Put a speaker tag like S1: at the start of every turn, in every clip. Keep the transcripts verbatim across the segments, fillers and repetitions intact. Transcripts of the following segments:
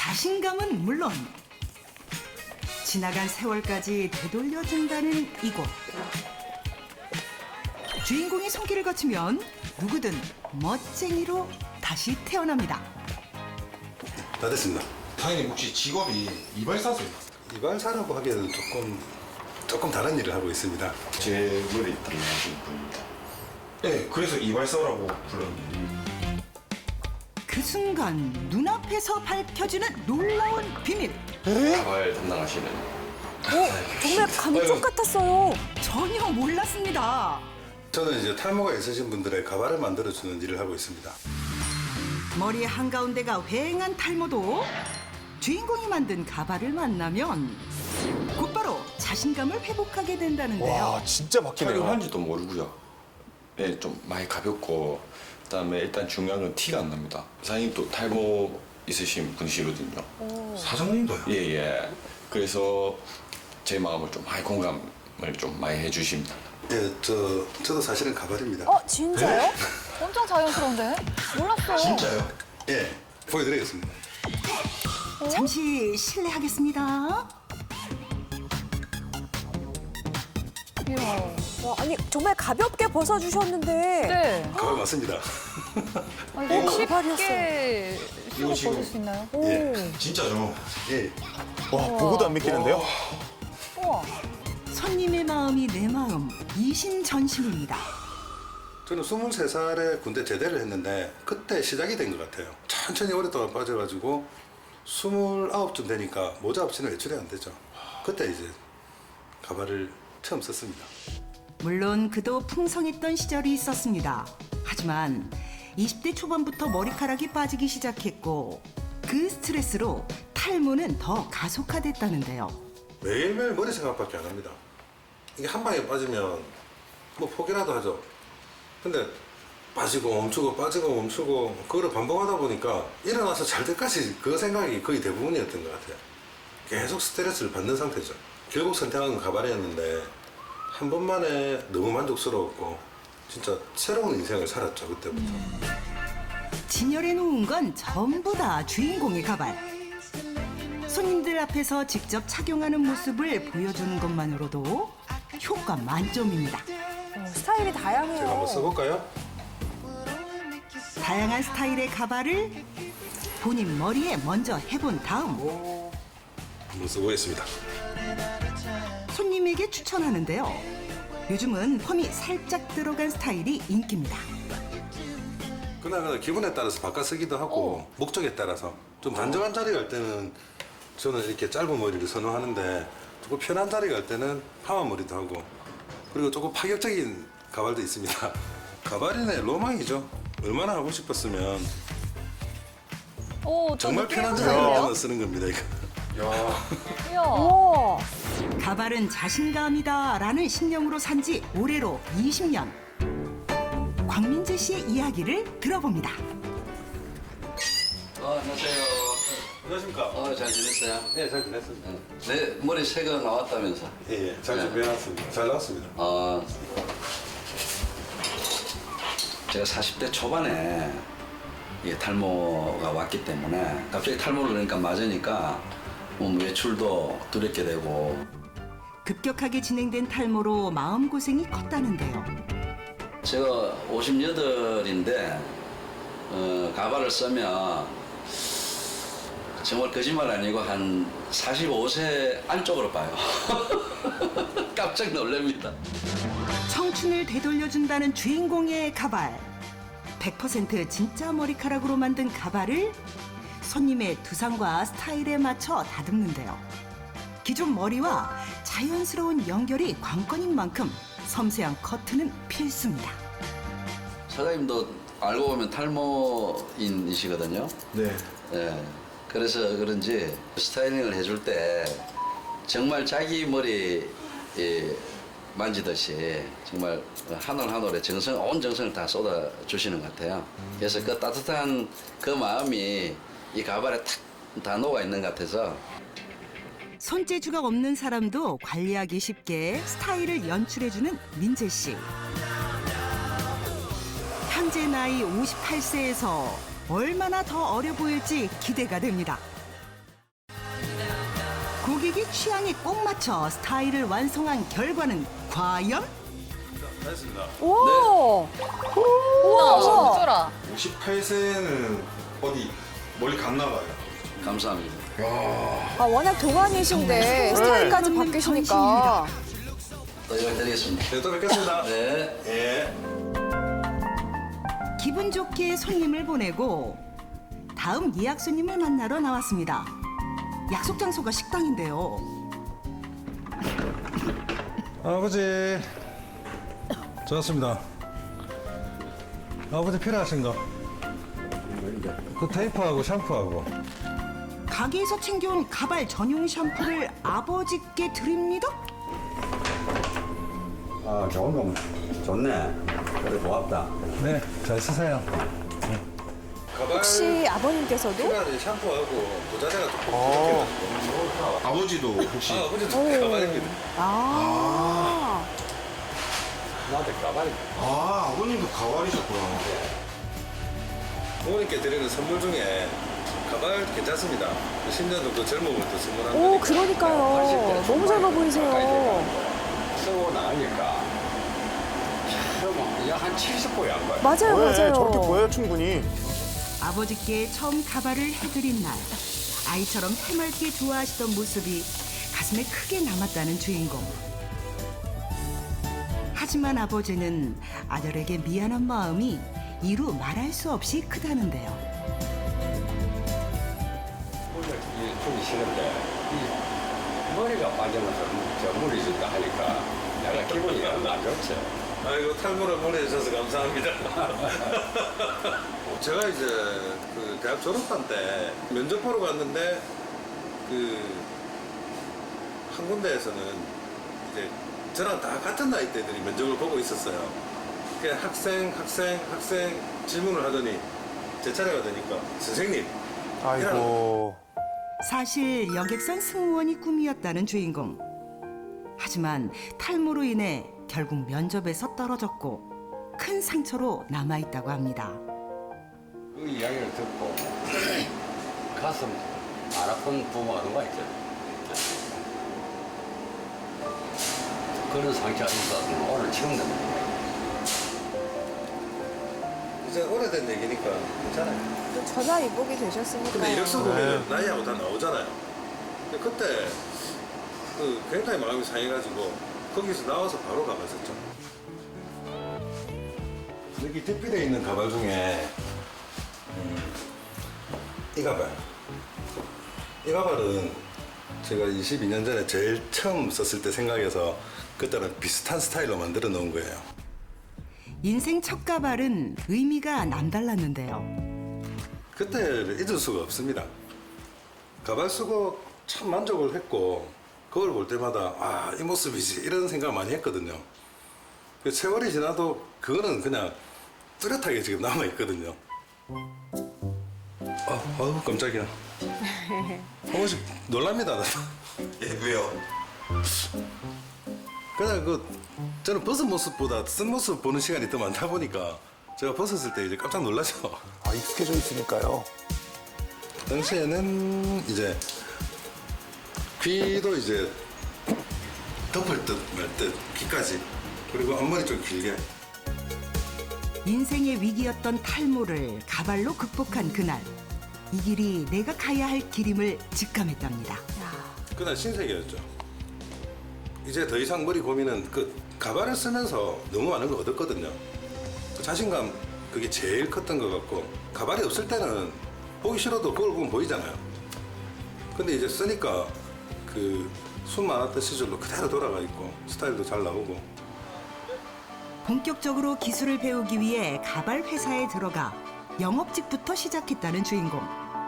S1: 자신감은 물론 지나간 세월까지 되돌려준다는 이곳. 주인공이 손길을 거치면 누구든 멋쟁이로 다시 태어납니다.
S2: 다 됐습니다.
S3: 사장님 혹시 직업이 이발사세요?
S2: 이발사라고 하기에는 조금 조금 다른 일을 하고 있습니다.
S4: 제 머리 담당하신 분입니다.
S3: 네, 그래서 이발사라고 불렀는데.
S1: 그 순간 눈앞에서 밝혀지는 놀라운 비밀.
S4: 가발 담당하시는
S5: 오, 정말 감쪽 같았어요.
S1: 전혀 몰랐습니다.
S2: 저는 이제 탈모가 있으신 분들의 가발을 만들어주는 일을 하고 있습니다.
S1: 머리 한가운데가 휑한 탈모도 주인공이 만든 가발을 만나면 곧바로 자신감을 회복하게 된다는데요.
S6: 와 진짜 바뀌네요.
S4: 촬영한지도 모르고요. 네, 좀 많이 가볍고 그다음에 일단 중요한 건 티가 안 납니다. 사장님 또 탈모 있으신 분이시거든요.
S3: 사장님도요?
S4: 예예. 그래서 제 마음을 좀 많이 공감을 좀 많이 해주십니다.
S2: 예, 저 저도 사실은 가발입니다.
S5: 어, 진짜요?
S7: 엄청 자연스러운데? 몰랐어요.
S3: 진짜요?
S2: 예, 보여드리겠습니다.
S1: 잠시 실례하겠습니다.
S7: 이야.
S5: 와, 아니 정말 가볍게 벗어주셨는데.
S7: 네.
S2: 가발 맞습니다.
S7: 아, 이거
S5: 가발이었어요.
S7: 쉽게 쓰고
S3: 지금-
S7: 벗을 수 있나요?
S5: 오.
S2: 예.
S3: 진짜죠?
S2: 예,
S6: 와 보고도 안 믿기는데요.
S7: 우와.
S1: 손님의 마음이 내 마음, 이심전심입니다.
S2: 저는 스물세 살에 군대 제대를 했는데 그때 시작이 된 것 같아요. 천천히 오랫동안 빠져가지고 스물아홉쯤 되니까 모자 없이는 외출이 안 되죠. 그때 이제 가발을 처음 썼습니다.
S1: 물론 그도 풍성했던 시절이 있었습니다. 하지만 이십 대 초반부터 머리카락이 빠지기 시작했고 그 스트레스로 탈모는 더 가속화됐다는데요.
S2: 매일매일 머리 생각밖에 안 합니다. 이게 한 방에 빠지면 뭐 포기라도 하죠. 근데 빠지고 멈추고 빠지고 멈추고 그거를 반복하다 보니까 일어나서 잘 때까지 그 생각이 거의 대부분이었던 것 같아요. 계속 스트레스를 받는 상태죠. 결국 선택한 건 가발이었는데 한 번만에 너무 만족스러웠고 진짜 새로운 인생을 살았죠, 그때부터.
S1: 진열해 놓은 건 전부 다 주인공의 가발. 손님들 앞에서 직접 착용하는 모습을 보여주는 것만으로도 효과 만점입니다.
S5: 어, 스타일이 다양해요.
S2: 제가 한번 써볼까요?
S1: 다양한 스타일의 가발을 본인 머리에 먼저 해본 다음
S2: 한번 써보겠습니다.
S1: 손님에게 추천하는데요. 요즘은 펌이 살짝 들어간 스타일이 인기입니다.
S2: 그날그날 기분에 따라서 바꿔 쓰기도 하고 목적에 따라서 좀 단정한 자리 갈 때는 저는 이렇게 짧은 머리를 선호하는데 조금 편한 자리 갈 때는 파마 머리도 하고 그리고 조금 파격적인 가발도 있습니다. 가발이네 로망이죠. 얼마나 하고 싶었으면
S7: 오,
S2: 정말 편한 자리
S7: 자리
S2: 갈 때만 쓰는 겁니다. 이거.
S7: 이야.
S5: 우와.
S1: 가발은 자신감이다라는 신념으로 산 지 올해로 이십 년. 광민재 씨의 이야기를 들어봅니다.
S8: 어, 안녕하세요.
S2: 안녕하십니까?
S8: 어, 잘 지냈어요?
S2: 네, 잘 지냈습니다.
S8: 내 머리 새거 나왔다면서?
S2: 예, 예, 잘 준비해놨습니다. 잘 나왔습니다.
S8: 어, 제가 사십 대 초반에 이게 탈모가 왔기 때문에 갑자기 탈모를 그러니까 맞으니까 뭐 외출도 두렵게 되고
S1: 급격하게 진행된 탈모로 마음고생이 컸다는데요.
S8: 제가 오십팔인데 어, 가발을 쓰면 정말 거짓말 아니고 한 사십오 세 안쪽으로 봐요. 깜짝 놀랍니다.
S1: 청춘을 되돌려준다는 주인공의 가발. 백 퍼센트 진짜 머리카락으로 만든 가발을 손님의 두상과 스타일에 맞춰 다듬는데요. 기존 머리와 자연스러운 연결이 관건인 만큼 섬세한 커트는 필수입니다.
S8: 사장님도 알고 보면 탈모인이시거든요.
S3: 네.
S8: 예. 그래서 그런지 스타일링을 해줄 때 정말 자기 머리 예, 만지듯이 정말 한 올 한 올에 정성, 온 정성을 다 쏟아 주시는 것 같아요. 그래서 그 따뜻한 그 마음이 이 가발에 탁 다 녹아 있는 것 같아서
S1: 손재주가 없는 사람도 관리하기 쉽게 스타일을 연출해주는 민재 씨. 현재 나이 오십팔 세에서 얼마나 더 어려 보일지 기대가 됩니다. 고객의 취향에 꼭 맞춰 스타일을 완성한 결과는 과연?
S2: 다 했습니다.
S5: 오!
S7: 우와,
S5: 우와.
S7: 어쩌라.
S3: 오십팔 세는 어디 멀리 갔나 봐요.
S8: 감사합니다.
S5: 아, 워낙 동안이신데 스타일까지 바뀌시니까.
S8: 또 연락드리겠습니다.
S2: 네, 또 뵙겠습니다.
S8: 네.
S2: 예.
S1: 기분 좋게 손님을 보내고 다음 예약 손님을 만나러 나왔습니다. 약속 장소가 식당인데요.
S2: 아버지. 좋았습니다. 아버지 필요하신 거? 그 테이프하고 샴푸하고.
S1: 가게에서 챙겨온 가발 전용 샴푸를 아버지께 드립니다.
S9: 아, 좋은 거 좋네. 그래, 고맙다.
S2: 네, 잘 쓰세요. 가발
S5: 혹시 아버님께서도?
S2: 필요한 샴푸하고 모자재가 좀
S6: 어.
S2: 부족해가지고.
S3: 아버지도 혹시
S2: 아, 아버지도 가발입니다.
S5: 아.
S9: 나한테 가발이.
S3: 아, 아버님도 가발이셨구나.
S2: 부모님께 드리는 선물 중에 가발 괜찮습니다. 십 년 정도 젊으면 또 선물한
S5: 오,
S2: 거니까.
S5: 그러니까요. 너무 젊어 보이세요.
S9: 쓰고 나가니까. 그러면 한 칠십 보이 안 봐요.
S5: 맞아요,
S6: 네,
S5: 맞아요.
S6: 저렇게 보여요, 충분히.
S1: 아버지께 처음 가발을 해드린 날 아이처럼 해맑게 좋아하시던 모습이 가슴에 크게 남았다는 주인공. 하지만 아버지는 아들에게 미안한 마음이 이루 말할 수 없이 크다는데요.
S9: 오늘 이 주기 싫은데, 이 머리가 빠지면서 저 물이 준다 하니까 내가 기분이 안 좋지.
S2: 아이고 탈모를 보내주셔서 감사합니다. 제가 이제 그 대학 졸업한 때 면접 보러 갔는데 그 한 군데에서는 이제 저랑 다 같은 나이대들이 면접을 보고 있었어요. 그 학생, 학생, 학생 질문을 하더니 제 차례가 되니까 선생님.
S6: 아이고.
S1: 사실 여객선 승무원이 꿈이었다는 주인공. 하지만 탈모로 인해 결국 면접에서 떨어졌고 큰 상처로 남아있다고 합니다.
S9: 그 이야기를 듣고 가슴 안 아픈 부모가 누가 있잖아. 그런 상처가 있어서 오늘 처음 듣는 거예요.
S2: 이제 오래된 얘기니까 괜찮아요.
S5: 또 전화 위복이 되셨으니까.
S2: 근데 이력서 보면 나이하고 다 나오잖아요. 근데 그때 그 굉장히 마음이 상해가지고 거기서 나와서 바로 가봤었죠. 여기 대피되어 있는 가발 중에 음, 이 가발. 이 가발은 제가 이십이 년 전에 제일 처음 썼을 때 생각해서 그때랑 비슷한 스타일로 만들어 놓은 거예요.
S1: 인생 첫 가발은 의미가 남달랐는데요.
S2: 그때를 잊을 수가 없습니다. 가발 쓰고 참 만족을 했고 그걸 볼 때마다 아, 이 모습이지 이런 생각 많이 했거든요. 그 세월이 지나도 그거는 그냥 뚜렷하게 지금 남아 있거든요. 아, 아우 깜짝이야. 한 번씩 놀랍니다.
S3: 예, 왜요?
S2: 그냥 그 저는 벗은 모습보다 쓴 모습 보는 시간이 더 많다 보니까 제가 벗었을 때 이제 깜짝 놀라죠.
S6: 아, 익숙해져 있으니까요.
S2: 당시에는 이제 귀도 이제 덮을 듯 말 듯 귀까지 그리고 앞머리 좀 길게.
S1: 인생의 위기였던 탈모를 가발로 극복한 그날. 이 길이 내가 가야 할 길임을 직감했답니다.
S2: 그날 신세계였죠. 이제 더 이상 머리 고민은 그 가발을 쓰면서 너무 많은 거 얻었거든요. 그 자신감 그게 제일 컸던 것 같고 가발이 없을 때는 보기 싫어도 그걸 보면 보이잖아요. 근데 이제 쓰니까 그 숨 많았던 시절로 그대로 돌아가 있고 스타일도 잘 나오고.
S1: 본격적으로 기술을 배우기 위해 가발 회사에 들어가 영업직부터 시작했다는 주인공.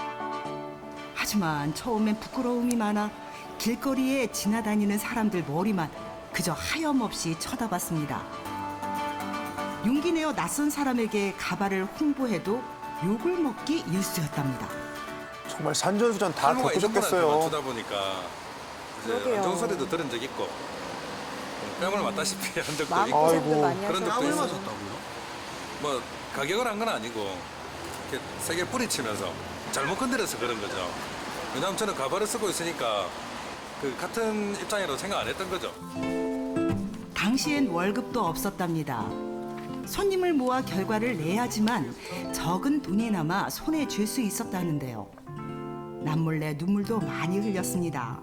S1: 하지만 처음엔 부끄러움이 많아 길거리에 지나다니는 사람들 머리만 그저 하염없이 쳐다봤습니다. 용기 내어 낯선 사람에게 가발을 홍보해도 욕을 먹기 일쑤였답니다.
S6: 정말 산전수전 다
S2: 탈모가 있는 분한테
S6: 겪으셨겠어요.
S2: 맞추다 보니까 이제
S5: 그러게요.
S2: 안정 소리도 들은 적 있고 뺨을 맞다시피 한 적도 있고
S5: 마음고생도
S6: 아이고.
S5: 많이
S2: 그런 적도
S5: 하셨어요.
S2: 있었다고요? 뭐 가격을 한 건 아니고 이렇게 세게 뿌리치면서 잘못 건드려서 그런 거죠. 왜냐하면 저는 가발을 쓰고 있으니까 그 같은 입장이라고 생각 안 했던 거죠.
S1: 당시엔 월급도 없었답니다. 손님을 모아 결과를 내야지만 적은 돈이 남아 손에 쥘 수 있었다는데요. 남몰래 눈물도 많이 흘렸습니다.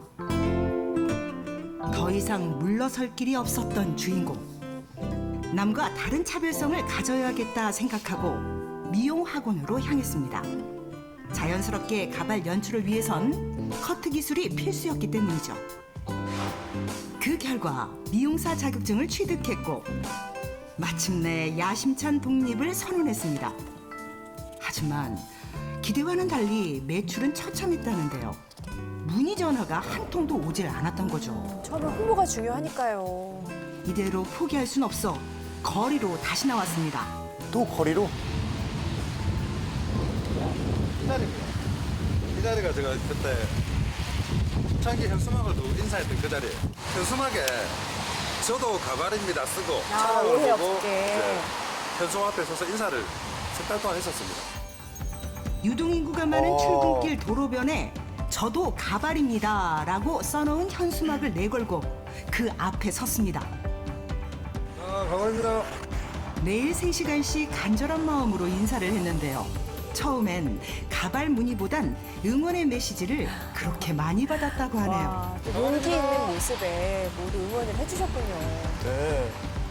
S1: 더 이상 물러설 길이 없었던 주인공. 남과 다른 차별성을 가져야겠다 생각하고 미용 학원으로 향했습니다. 자연스럽게 가발 연출을 위해선 커트 기술이 필수였기 때문이죠. 그 결과 미용사 자격증을 취득했고 마침내 야심찬 독립을 선언했습니다. 하지만 기대와는 달리 매출은 처참했다는데요. 문의 전화가 한 통도 오질 않았던 거죠.
S5: 처음에 홍보가 중요하니까요.
S1: 이대로 포기할 순 없어 거리로 다시 나왔습니다.
S6: 또 거리로?
S2: 이 자리입니다. 이 자리가 제가 그때 자기 현수막을 두고 인사했던 그 자리예요. 현수막에 저도 가발입니다 쓰고
S5: 아,
S2: 차량을
S5: 오해
S2: 보고
S5: 없게.
S2: 이제 현수막 앞에 서서 인사를 석 달 동안 했었습니다.
S1: 유동인구가 많은
S6: 어.
S1: 출근길 도로변에 저도 가발입니다라고 써놓은 현수막을 내걸고 그 앞에 섰습니다.
S2: 아, 가발입니다.
S1: 매일 세 시간씩 간절한 마음으로 인사를 했는데요. 처음엔 가발 문의보단 응원의 메시지를 그렇게 많이 받았다고 하네요.
S5: 와, 또 용기 있는 모습에 모두 응원을 해주셨군요.
S6: 네.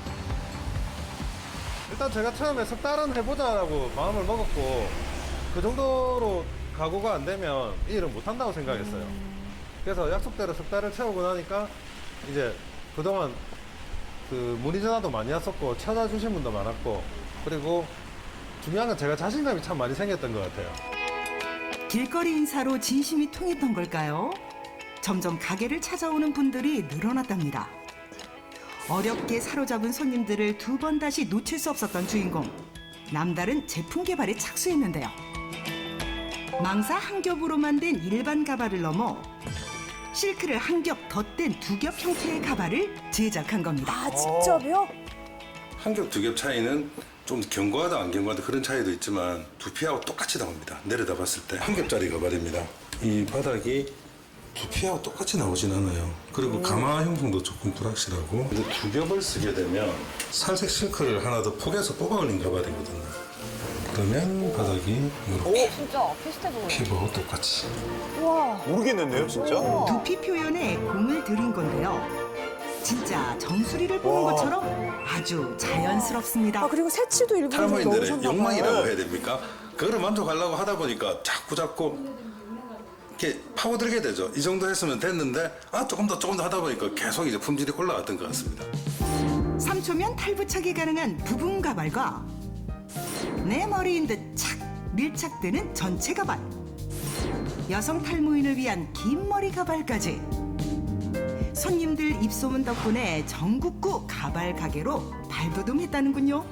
S2: 일단 제가 처음에 석 달은 해보자라고 마음을 먹었고 그 정도로 각오가 안 되면 이 일은 못한다고 생각했어요. 그래서 약속대로 석 달을 채우고 나니까 이제 그동안 그 문의 전화도 많이 왔었고 찾아주신 분도 많았고 그리고 중요한 건 제가 자신감이 참 많이 생겼던 것 같아요.
S1: 길거리 인사로 진심이 통했던 걸까요? 점점 가게를 찾아오는 분들이 늘어났답니다. 어렵게 사로잡은 손님들을 두 번 다시 놓칠 수 없었던 주인공. 남다른 제품 개발에 착수했는데요. 망사 한 겹으로 만든 일반 가발을 넘어 실크를 한 겹 덧댄 두 겹 형태의 가발을 제작한 겁니다.
S5: 아, 직접이요?
S2: 한 겹, 두 겹 차이는 좀 견고하다 안 견고하다 그런 차이도 있지만 두피하고 똑같이 나옵니다. 내려다 봤을 때 한 겹짜리 가발입니다. 이 바닥이 두피하고 똑같이 나오진 않아요. 그리고 가마 형성도 조금 불확실하고 근데 두 겹을 쓰게 되면 살색 실크를 하나 더 폭에서 뽑아 올린 가발이거든요. 그러면 바닥이 이렇게
S7: 진짜 비슷해 보여요.
S2: 피부하고 똑같이
S5: 와,
S6: 모르겠는데요, 진짜?
S1: 두피 표현에 공을 들인 건데요. 진짜 정수리를 보는
S6: 와.
S1: 것처럼 아주 자연스럽습니다.
S5: 아 그리고 새치도 일부러 좀
S2: 탈모인들의
S5: 넣으셨나 봐요.
S2: 욕망이라고 해야 됩니까? 그거를 만족하려고 하다 보니까 자꾸 자꾸 이렇게 파고들게 되죠. 이 정도 했으면 됐는데 아 조금 더 조금 더 하다 보니까 계속 이제 품질이 올라갔던 것 같습니다.
S1: 삼 초면 탈부착이 가능한 부분 가발과 내 머리인 듯 착 밀착되는 전체 가발, 여성 탈모인을 위한 긴 머리 가발까지 손님들 입소문 덕분에 전국구 가발 가게로 발돋움했다는군요.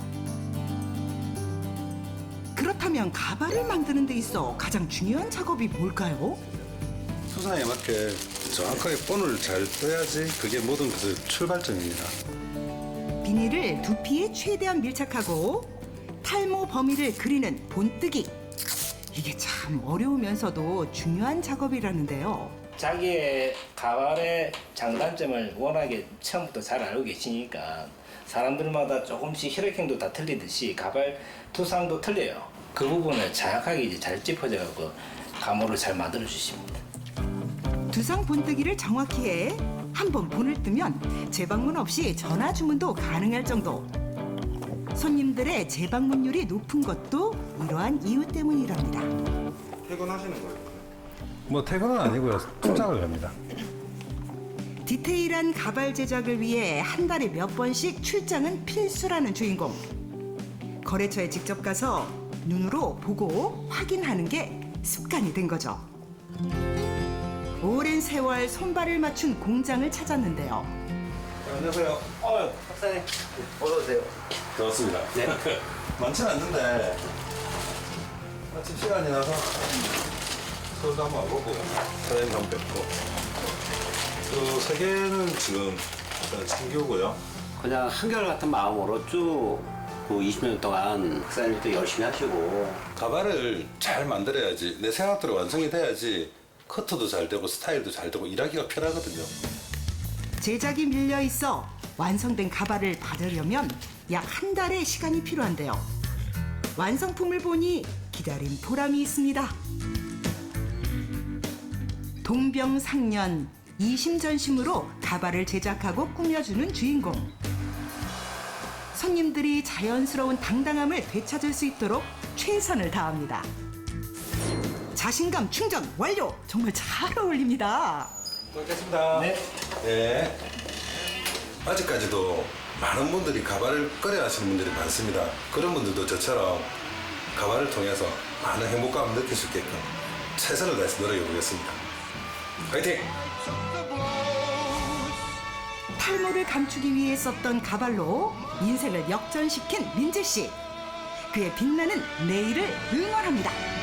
S1: 그렇다면 가발을 만드는 데 있어 가장 중요한 작업이 뭘까요?
S2: 수사에 맞게 정확하게 본을 잘 떠야지 그게 모든 것의 출발점입니다.
S1: 비닐을 두피에 최대한 밀착하고 탈모 범위를 그리는 본뜨기. 이게 참 어려우면서도 중요한 작업이라는데요.
S10: 자기의 가발의 장단점을 워낙에 처음부터 잘 알고 계시니까 사람들마다 조금씩 혈액형도 다 틀리듯이 가발 두상도 틀려요. 그 부분을 정확하게 이제 잘 짚어져갖고 가모를 잘 만들어 주십니다.
S1: 두상 본뜨기를 정확히 해 한 번 본을 뜨면 재방문 없이 전화 주문도 가능할 정도. 손님들의 재방문율이 높은 것도 이러한 이유 때문이랍니다.
S3: 퇴근하시는 거예요?
S2: 뭐 퇴근은 아니고요. 출장을 갑니다.
S1: 디테일한 가발 제작을 위해 한 달에 몇 번씩 출장은 필수라는 주인공. 거래처에 직접 가서 눈으로 보고 확인하는 게 습관이 된 거죠. 오랜 세월 손발을 맞춘 공장을 찾았는데요.
S2: 안녕하세요.
S10: 어, 박사님 어서 오세요.
S2: 반갑습니다.
S10: 네.
S2: 많지는 않는데 아침 시간이 나서 서울도 한번 와보고 사장님 한번 뵙고 그 세 개는 지금 일단 챙겨오고요.
S11: 그냥 한결같은 마음으로 쭉 그 이십 년 동안 박사님도 열심히 하시고
S2: 가발을 잘 만들어야지 내 생각대로 완성이 돼야지 커트도 잘 되고 스타일도 잘 되고 일하기가 편하거든요.
S1: 제작이 밀려 있어 완성된 가발을 받으려면 약 한 달의 시간이 필요한데요. 완성품을 보니 기다린 보람이 있습니다. 동병상련, 이심전심으로 가발을 제작하고 꾸며주는 주인공. 손님들이 자연스러운 당당함을 되찾을 수 있도록 최선을 다합니다. 자신감 충전 완료! 정말 잘 어울립니다.
S2: 고맙습니다.
S10: 네.
S2: 네. 아직까지도 많은 분들이 가발을 꺼려 하시는 분들이 많습니다. 그런 분들도 저처럼 가발을 통해서 많은 행복감을 느낄 수 있게끔 최선을 다해서 노력해 보겠습니다. 화이팅!
S1: 탈모를 감추기 위해 썼던 가발로 인생을 역전시킨 민재 씨. 그의 빛나는 내일을 응원합니다.